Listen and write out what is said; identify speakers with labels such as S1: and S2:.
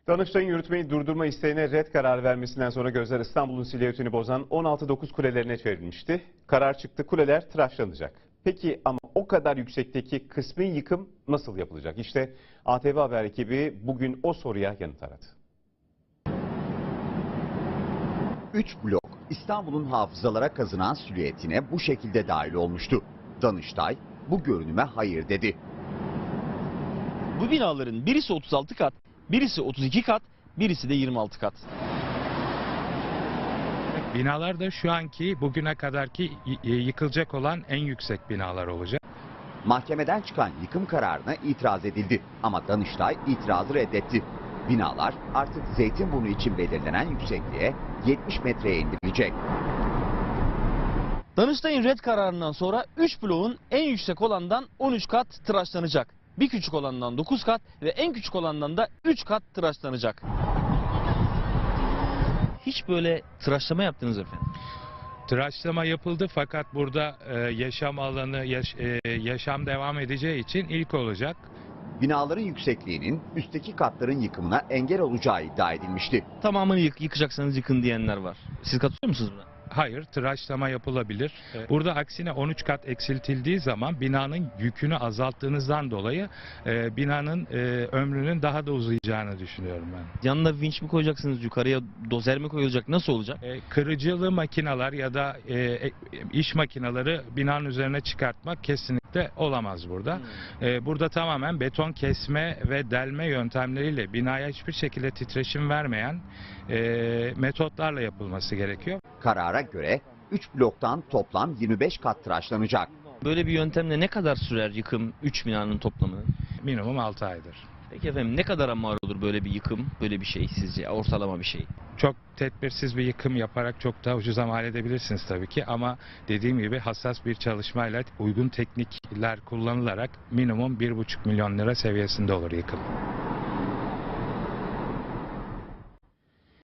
S1: Danıştay'ın yürütmeyi durdurma isteğine red kararı vermesinden sonra gözler İstanbul'un silüetini bozan 16-9 kulelerine çevrilmişti. Karar çıktı, kuleler tıraşlanacak. Peki ama o kadar yüksekteki kısmi yıkım nasıl yapılacak? İşte ATV Haber ekibi bugün o soruya yanıt aradı.
S2: 3 blok İstanbul'un hafızalara kazınan silüetine bu şekilde dahil olmuştu. Danıştay bu görünüme hayır dedi.
S3: Bu binaların birisi 36 kat, birisi 32 kat, birisi de 26 kat.
S4: Binalar da şu anki bugüne kadarki yıkılacak olan en yüksek binalar olacak.
S2: Mahkemeden çıkan yıkım kararına itiraz edildi ama Danıştay itirazı reddetti. Binalar artık Zeytinburnu için belirlenen yüksekliğe 70 metreye indirilecek.
S3: Danıştay'ın red kararından sonra 3 bloğun en yüksek olandan 13 kat tıraşlanacak. Bir küçük olandan 9 kat ve en küçük olandan da 3 kat tıraşlanacak. Hiç böyle tıraşlama yaptınız efendim?
S4: Tıraşlama yapıldı fakat burada yaşam alanı, yaşam devam edeceği için ilk olacak.
S2: Binaların yüksekliğinin üstteki katların yıkımına engel olacağı iddia edilmişti.
S3: Tamamını yıkacaksanız yıkın diyenler var. Siz katılıyor musunuz buna?
S4: Hayır, tıraşlama yapılabilir. Burada aksine 13 kat eksiltildiği zaman binanın yükünü azalttığınızdan dolayı binanın ömrünün daha da uzayacağını düşünüyorum ben.
S3: Yanına vinç mi koyacaksınız, yukarıya dozer mi koyulacak, nasıl olacak?
S4: Kırıcılı makineler ya da iş makineleri binanın üzerine çıkartmak kesinlikle olamaz burada. Burada tamamen beton kesme ve delme yöntemleriyle binaya hiçbir şekilde titreşim vermeyen metotlarla yapılması gerekiyor.
S2: Karara göre 3 bloktan toplam 25 kat tıraşlanacak.
S3: Böyle bir yöntemle ne kadar sürer yıkım 3 binanın toplamı?
S4: Minimum 6 aydır.
S3: Peki efendim ne kadara mal olur böyle bir yıkım, böyle bir şey sizce, ortalama bir şey?
S4: Çok tedbirsiz bir yıkım yaparak çok daha ucuza mal edebilirsiniz tabii ki ama dediğim gibi hassas bir çalışmayla uygun teknikler kullanılarak minimum 1,5 milyon lira seviyesinde olur yıkım.